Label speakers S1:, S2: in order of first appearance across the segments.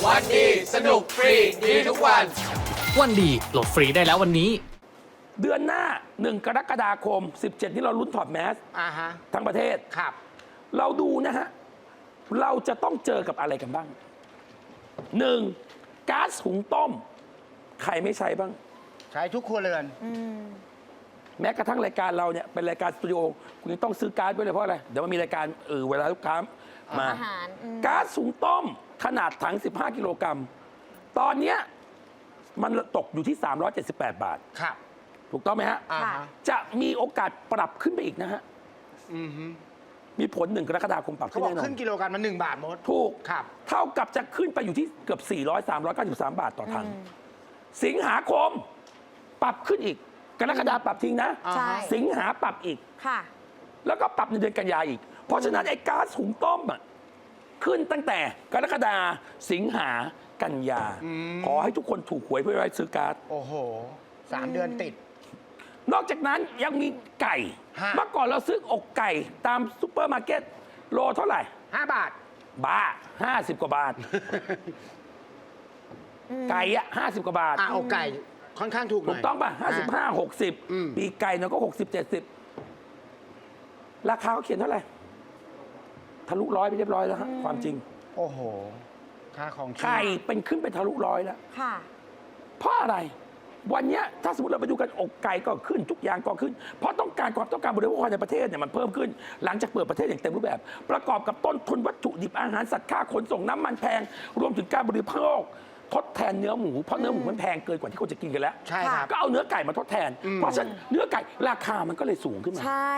S1: วันดีสนุกฟรีดีทุกวัน
S2: วันดีโหลดฟรีได้แล้ววันนี้
S3: เดือนหน้า1 กรกฎาคม 17 นี่เราลุ้นถอดแมสทั้งประเทศ
S1: ครับ
S3: เราดูนะฮะเราจะต้องเจอกับอะไรกันบ้าง 1. ก๊าซหุงต้มใครไม่ใช้บ้าง
S1: ใช้ทุกครัวเรือน
S3: แม้กระทั่งรายการเราเนี่ยเป็นรายการสตูดิโอคุณยังต้องซื้อก๊าซไว้เลยเพราะอะไรเดี๋ยวมันมีรายการเวลาลูกค้ามาก๊าซหุงต้มขนาดถัง15 กิโลกรัมตอนนี้มันตกอยู่ที่378 บาท
S1: ครับ
S3: ถูกต้องไหมฮะจะมีโอกาสปรับขึ้นไปอีกนะฮะมีผล1 กรกฎาคมปรับขึ้นแน่นอน
S1: ขึ้นกิโลกรัมมา1 บาทหมด
S3: ถูก
S1: ครับ
S3: เท่ากับจะขึ้นไปอยู่ที่เกือบ393 บาทต่อถังสิงหาคมปรับขึ้นอีกกรกฎาคมปรับทิ้งนะสิงหาปรับอีกแล้วก็ปรับในเดือนกันยาอีกเพราะฉะนั้นไอ้ก๊าซหุงต้มขึ้นตั้งแต่กรกฎาคมสิงหากันยาขอให้ทุกคนถูกหวยเพื่อไว้ซื้อก๊าซ
S1: โอ้โห3 เดือนติด
S3: นอกจากนั้นยังมีไก่เมื่อก่อนเราซื้ออกไก่ตามซุปเปอร์มาร์เก็ตโลเท่าไหร่
S1: 5 บาท
S3: บ้า50 กว่าบาทไก่50 กว่าบาท
S1: อกไก่ค่อนข้างถูกหน่อย
S3: ถูกต้องป่ะ55 60ปีไก่เนาะก็60 70ราคาเขาเขียนเท่าไหร่ทะลุ100ไปเรียบร้อยแล้วฮะความจริง
S1: โอ้โหค่าของ
S3: ไก่เป็นขึ้นไปทะลุ100แล้วเพราะอะไรวันนี้ถ้าสมมติเราไปดูกันอกไก่ก็ขึ้นทุกอย่างก็ขึ้นเพราะต้องการบริโภคในประเทศเนี่ยมันเพิ่มขึ้นหลังจากเปิดประเทศอย่างเต็มรูปแบบประกอบกับต้นทุนวัตถุดิบอาหารสัตว์ค่าขนส่งน้ำมันแพงรวมถึงการบริโภคทดแทนเนื้อหมูเพราะเนื้อหมูมันแพงเกินกว่าที่คนจะกินกันแล้ว
S1: ใช่ครับ
S3: ก็เอาเนื้อไก่มาทดแทนเพราะฉะนั้นเนื้อไก่ราคามันก็เลยสูงขึ้นมา
S4: ใช่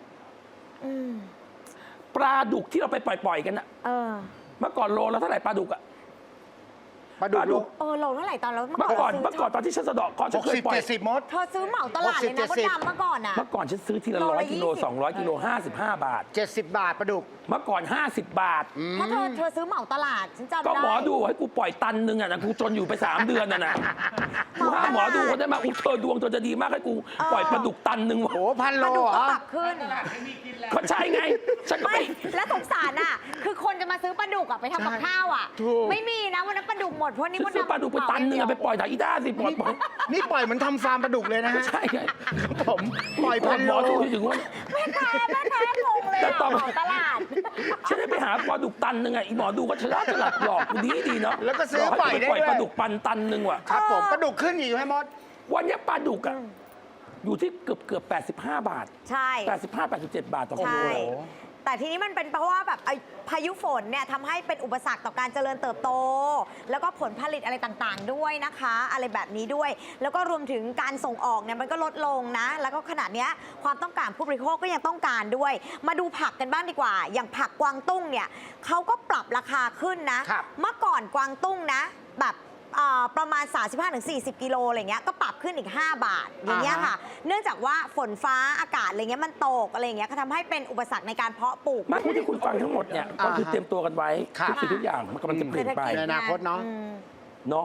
S3: ปลาดุกที่เราไปปล่อยกันเมื่อก่อนโลแล้วเท่าไหร่ปลาดุก
S1: ปลาดุก
S4: โลเท่าไหร่ตอนเรา
S3: เมื่อก่อนตอนที่ฉันสะดอกก่อนฉันเคยปล่อย
S1: 60-70 มด
S4: เธอซื้อเหมาตลาดเลยนะมดดำเมื่อก่อน
S3: เมื่อก่อนฉันซื้อทีละ100 กิโล200 กิโล55 บาท
S1: 70 บาทปลาดุก
S3: เมื่อก่อน50 บาท
S4: เพราะเธอซื้อเหมาตลาดฉันจำได้
S3: ก็หมอดูให้กูปล่อยตันนึงนะกูจนอยู่ไป3 เดือนนะกูหาหมอดูคนได้มาเธอดวงเธอจะดีมากให้กูปล่อยปลาดุกตันนึง
S1: โอ้1,000 โล
S4: ก็ปรับขึ้น
S3: ก็ใช่ไงฉันก็ไม่
S4: และสงสารคือคนจะมาซื้อปลาดุกไปทำกับข้าวไม่มีนะวันนั้นปลาดุกหมดเพราะนี่มดดำ
S3: ปลาดุกไปตันนึงไปปล่อยถ่ายอีด้าสิปล่อย
S1: นี่ปล่อยเหมือนทำฟาร์มปลาดุกเลยนะ
S3: ใช่ไง
S1: ผมปล่อย1,000 โล
S3: ถึงว่า
S4: แม่ค้างงเลยตลาด
S3: ฉันได้ไปหาปลาดุกตันนึงอีหมอดูก็ฉลาดหลอกกูดีเนาะ
S1: แล้วก็ซื้อปล่อยได้ด้วย
S3: ปลาดุกปันตันนึงว่ะ
S1: ครับผมปลาดุกขึ้นอีกไหมมด
S3: วันนี้ปลาดุกอยู่ที่เกือบ85 บาท
S4: ใช่
S3: 85-87 บาทต่อกิโล
S4: แต่ทีนี้มันเป็นเพราะว่าแบบพายุฝนเนี่ยทำให้เป็นอุปสรรคต่อการเจริญเติบโตแล้วก็ผลผลิตอะไรต่างๆด้วยนะคะอะไรแบบนี้ด้วยแล้วก็รวมถึงการส่งออกเนี่ยมันก็ลดลงนะแล้วก็ขณะนี้ความต้องการผู้บริโภคก็ยังต้องการด้วยมาดูผักกันบ้างดีกว่าอย่างผักกวางตุ้งเนี่ยเขาก็ปรับราคาขึ้นนะเมื่อก่อนกวางตุ้งนะแบบประมาณ 35-40 กิโลอะไรเงี้ยก็ปรับขึ้นอีก5 บาทอย่างเงี้ยค่ะเนื่องจากว่าฝนฟ้าอากาศอะไรเงี้ยมันตกอะไรเงี้ยก็ทำให้เป็นอุปสรรคในการเพาะปลูก
S3: มากที่คุณฟังทั้งหมดเนี่ยก็คือเตรียมตัวกันไว้ทุกสิ่งทุกอย่างมันกำลังจะเปลี่ยนไป
S1: ในอนาคตเนาะ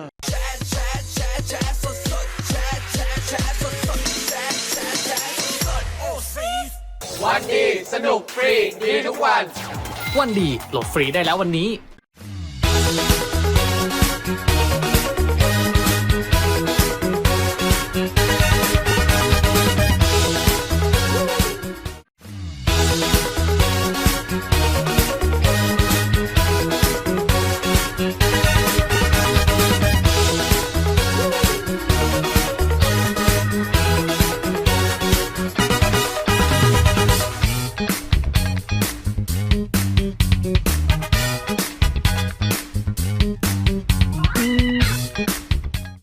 S2: วันดีสนุกฟรีดีทุกวันวันดีโหลดฟรีได้แล้ววันนี้